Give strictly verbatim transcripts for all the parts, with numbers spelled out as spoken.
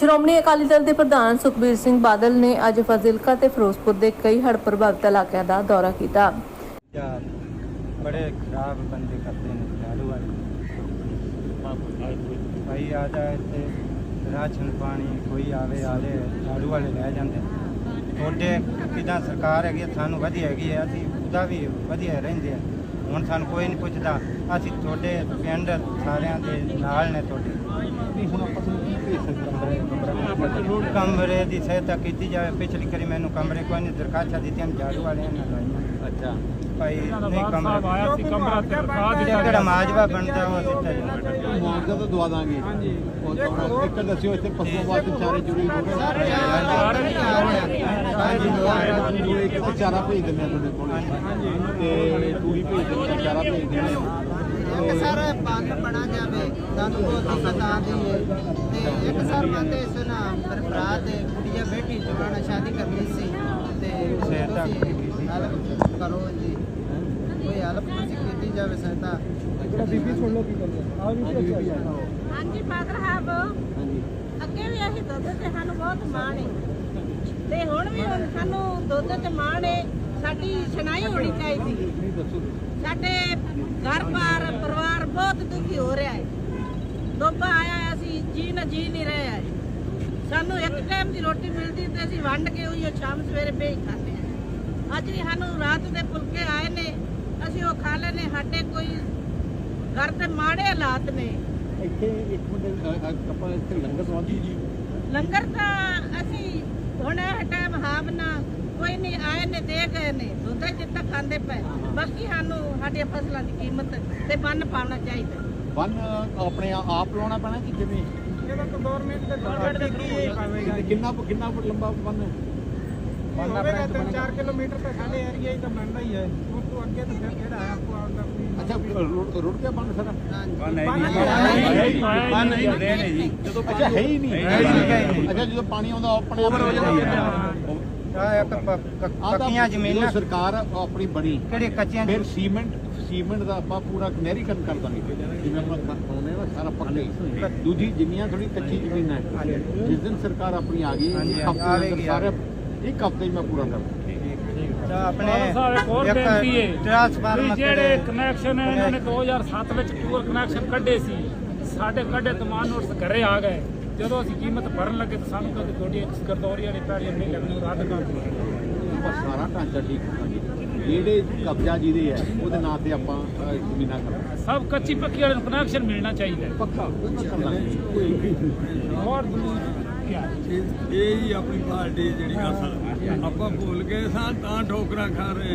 ਸ਼੍ਰੋਮਣੀ ਅਕਾਲੀ ਦਲ ਦੇ ਪ੍ਰਧਾਨ ਸੁਖਬੀਰ ਸਿੰਘ ਬਾਦਲ ਨੇ ਅੱਜ ਫਾਜ਼ਿਲਕਾ ਤੇ ਫਿਰੋਜ਼ਪੁਰ ਦੇ ਕਈ ਹੜ੍ਹ ਪ੍ਰਭਾਵਿਤ ਇਲਾਕਿਆਂ ਦਾ ਦੌਰਾ ਕੀਤਾ। बड़े खराब बंदे करते हैं झाड़ू वाले भाई आ जाए थे राशन पानी कोई आवे आले झाड़ू वाले लै जाते थोड़े किदा सरकार हैगी सानू वधिया हैगी है असीं उदा भी वधिया रहिंदे हुण सानू कोई नहीं पुछदा असीं थोड़े पिंड सारिਆਂ ਦੇ ਨਾਲ ਨੇ ਤੁਹਾਡੇ ਹੁਣ ਆਪਾਂ ਤੁਹਾਨੂੰ ਕੀ ਭੇਜ ਸਕਦੇ कमरे की सहायता की जाए पिछली करी मैंने कमरे कोई नहीं दरखास्त दी झाड़ू वाले अच्छा भाई नहीं कमरा माजवा बनता वो मुआवजा तो दवा देंगे एक दस्यो इतने पशुओं वास्ते चारे जुड़ी चारा भेज देने तूड़ी भेज देने चारा भेज देने सर पाक बना जाए सानू बहुत दिक्कत आती है एक सर कहते सुना मेरे भरा ते कुड़िया बेटी जवान शादी करनी सी ते सहायता करो जी कोई हेल्प नहीं की जाए सहायता बीबी सुन लो की कर हां जी पाक साहब ਅੱਗੇ ਵੀ ਅਸੀਂ ਦੁੱਧ ਤੇ ਸਾਨੂੰ ਬਹੁਤ ਮਾਣ ਹੈ ਤੇ ਹੁਣ ਵੀ ਸਾਨੂੰ ਦੁੱਧ ਤੇ ਮਾਣ ਹੈ ਸਾਡੀ ਸੁਣਾਈ ਹੋਣੀ ਚਾਹੀਦੀ ਸਾਡੇ ਘਰ ਬਾਰ ਪਰਿਵਾਰ ਬਹੁਤ ਦੁਖੀ ਹੋ ਰਿਹਾ ਹੈ ਦੋਬਾ ਆਇਆ ਅਸੀਂ ਜੀ ਨਾ ਜੀ ਨਹੀਂ ਰਹੇ ਹੈ ਸਾਨੂੰ ਇੱਕ ਟਾਈਮ ਦੀ ਰੋਟੀ ਮਿਲਦੀ ਤੇ ਅਸੀਂ ਵੰਡ ਕੇ ਉਹੀ ਸ਼ਾਮ ਸਵੇਰੇ ਭੇਜ ਖਾਂਦੇ ਹਾਂ ਅੱਜ ਵੀ ਸਾਨੂੰ ਰਾਤ ਦੇ ਫੁਲਕੇ ਆਏ ਨੇ ਅਸੀਂ ਉਹ ਖਾ ਲੈਨੇ ਸਾਡੇ ਕੋਈ ਘਰ ਤੇ ਮਾੜੇ ਹਾਲਾਤ ਨੇ ਇੱਥੇ ਇੱਕ ਮਿੰਟ ਆਪਾਂ ਇੱਥੇ ਲੰਗਰ ਸਵਾਦੀ ਜੀ ਲੰਗਰ ਤਾਂ ਅਸੀਂ ਹੁਣ ਇਹ ਟਾਈਮ ਹਾਵਨਾ ਕੋਈ ਨਹੀਂ ਆਏ ਨੇ ਦੇ ਗਏ ਨੇ ਦੁੱਧ ਜਿੱਤਾ ਖਾਂਦੇ ਪਏ ਬਾਕੀ ਸਾਨੂੰ ਸਾਡੀਆਂ ਫਸਲਾਂ ਦੀ ਕੀਮਤ ਤੇ ਬੰਨ ਪਾਉਣਾ ਚਾਹੀਦਾ ਬੰਨ ਆਪਣੇ ਆਪ ਲਾਉਣਾ ਪੈਣਾ ਕਿ ਜਿਵੇਂ ਇਹਦਾ ਤਾਂ ਗਵਰਨਮੈਂਟ ਦੇ ਗਵਰਨਮੈਂਟ ਦੇ ਕੀ ਕਿੰਨਾ ਕਿੰਨਾ ਲੰਬਾ ਬੰਨ ਬੰਨ ਆਪਣਾ ਤਿੰਨ ਚਾਰ ਕਿਲੋਮੀਟਰ ਤੇ ਸਾਡੇ ਏਰੀਆ ਹੀ ਤਾਂ ਬਣਦਾ ਹੀ ਹੈ ਉਸ ਤੋਂ ਅੱਗੇ ਤਾਂ ਫਿਰ ਕਿਹੜਾ ਹੈ ਆਪਕੋ ਆਉਂਦਾ ਅੱਛਾ ਰੁੜ ਗਿਆ ਬੰਨ ਸਾਰਾ ਬੰਨ ਨਹੀਂ ਹੁੰਦੇ ਨੇ ਜੀ ਜਦੋਂ ਅੱਛਾ ਹੈ ਹੀ ਨਹੀਂ ਅੱਛਾ ਜਦੋਂ ਪਾਣੀ ਆਉਂਦਾ ਆਪਣੇ ਆਪ ਹੋ ਜਾਂਦਾ ਪੱਕੀਆਂ ਜ਼ਮੀਨਾਂ ਸਰਕਾਰ ਆਪਣੀ ਬਣੀ ਕਿਹੜੇ ਕੱਚੀਆਂ ਫਿਰ ਸੀਮੈਂਟ ਸੀਮੈਂਟ ਦਾ ਆਪਾਂ ਪੂਰਾ ਨਹਿਰੀਕਰਨ ਕਰ ਦਾਂਗੇ ਜਿਵੇਂ ਆਪਾਂ ਬਣਾਉਂਦੇ ਨਾ ਸਾਰਾ ਪੱਕਾ ਦੂਜੀ ਜਿੰਨੀਆਂ ਥੋੜੀ ਕੱਚੀ ਜ਼ਮੀਨ ਹੈ ਜਿਸ ਦਿਨ ਸਰਕਾਰ ਆਪਣੀ ਆ ਗਈ ਇੱਕ ਹਫ਼ਤੇ ਦੇ ਅੰਦਰ ਸਾਰੇ ਇੱਕ ਹਫ਼ਤੇ ਮੈਂ ਪੂਰਾ ਕਰ ਆਪਣੇ ਜਿਹੜੇ ਕਨੈਕਸ਼ਨ ਇਹਨਾਂ ਨੇ ਦੋ ਹਜ਼ਾਰ ਸੱਤ ਵਿੱਚ ਪੂਰ ਕਨੈਕਸ਼ਨ ਕੱਢੇ ਸੀ ਸਾਡੇ ਕੱਢੇ ਤਮਾਨ ਨੋਟਸ ਘਰੇ ਆ ਗਏ ਜਦੋਂ ਅਸੀਂ ਕੀਮਤ ਭਰਨ ਲੱਗੇ ਤਾਂ ਸਾਨੂੰ ਕਹਿੰਦੇ ਤੁਹਾਡੀ ਗਰਦੌਰੀਆਂ ਨਹੀਂ ਪੈਣੀਆਂ ਨਹੀਂ ਲੱਗਣੀ ਰੱਦ ਕਰ ਦਿਓ ਆਪਾਂ ਸਾਰਾ ਢਾਂਚਾ ਠੀਕ ਕਰਾਂਗੇ ਜਿਹੜੇ ਕਬਜ਼ਾ ਜਿਹਦੇ ਹੈ ਉਹਦੇ ਨਾਂ ਤੇ ਆਪਾਂ ਜ਼ਮੀਨਾਂ ਕਰਾਂਗੇ ਸਭ ਕੱਚੀ ਪੱਕੀ ਵਾਲੇ ਨੂੰ ਕਨੈਕਸ਼ਨ ਮਿਲਣਾ ਚਾਹੀਦਾ ਪੱਕਾ ਹੋਰ ਇਹ ਹੀ ਆਪਣੀ ਪਾਰਟੀ ਜਿਹੜੀ ਅਸਲ ਆਪਾਂ ਭੁੱਲ ਗਏ ਸਾਂ ਤਾਂ ਠੋਕਰਾਂ ਖਾ ਰਹੇ ਆ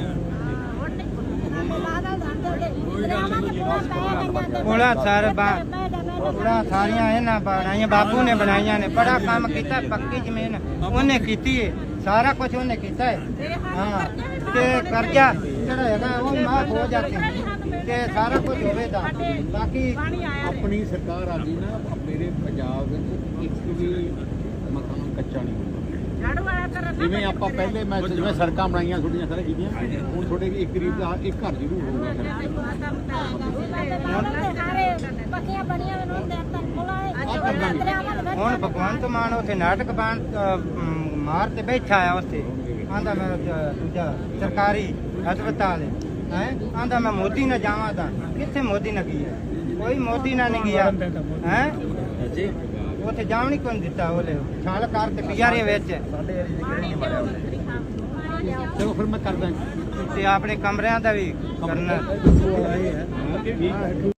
ਕੋਲਾ ਸਰ ਕੋਲਾ ਸਾਰੀਆਂ ਇਹਨਾਂ ਬਣਾਈਆਂ ਬਾਪੂ ਨੇ ਬਣਾਈਆਂ ਨੇ ਬੜਾ ਕੰਮ ਕੀਤਾ ਪੱਕੀ ਜ਼ਮੀਨ ਉਹਨੇ ਕੀਤੀ ਹੈ ਸਾਰਾ ਕੁਝ ਉਹਨੇ ਕੀਤਾ ਹੈ ਹਾਂ ਤੇ ਕਰਜ਼ਾ ਜਿਹੜਾ ਹੈਗਾ ਉਹ ਮਾਫ ਹੋ ਜਾਂਦੇ ਤੇ ਸਾਰਾ ਕੁਝ ਹੋਵੇਗਾ ਬਾਕੀ ਆਪਣੀ ਸਰਕਾਰ ਆ ਗਈ ਨਾ ਮੇਰੇ ਪੰਜਾਬ ਵਿੱਚ ਇੱਕ ਵੀ ਮਕਾਨ ਕੱਚਾ ਨਹੀਂ ਹੁੰਦਾ ਜਿਵੇਂ ਆਪਾਂ ਪਹਿਲੇ ਮੈਂ ਜਿਵੇਂ ਸੜਕਾਂ ਬਣਾਈਆਂ ਥੋੜੀਆਂ ਸਾਰੇ ਕੀਤੀਆਂ ਹੁਣ ਤੁਹਾਡੇ ਇੱਕ ਗਰੀਬ ਦਾ ਇੱਕ ਘਰ ਜ਼ਰੂਰ ਹੋਊਗਾ ਹੁਣ ਭਗਵੰਤ ਮਾਨ ਉੱਥੇ ਨਾਟਕ ਬਣ ਮਾਰ ਤੇ ਬੈਠਾ ਆ ਉੱਥੇ ਆਂਦਾ ਮੈਂ ਦੂਜਾ ਸਰਕਾਰੀ ਹਸਪਤਾਲ ਹੈ ਆਂਦਾ ਮੈਂ ਮੋਦੀ ਨਾਲ ਜਾਵਾਂ ਤਾਂ ਕਿੱਥੇ ਮੋਦੀ ਨਾਲ ਗਿਆ ਕੋਈ ਮੋਦੀ ਨਾਲ ਨਹੀਂ ਗਿਆ ਹੈ ਜੀ ਉੱਥੇ ਜਾਣ ਨਹੀਂ ਕੋਈ ਦਿੱਤਾ ਉਹਲੇ ਛਾਲ ਕਰ ਤੇ ਪਿਆਰੇ ਵਿੱਚ ਚਲੋ ਫਿਰ ਮੈਂ ਕਰਦਾ ਤੇ ਆਪਣੇ ਕਮਰਿਆਂ ਦਾ ਵੀ ਕਰਨਾ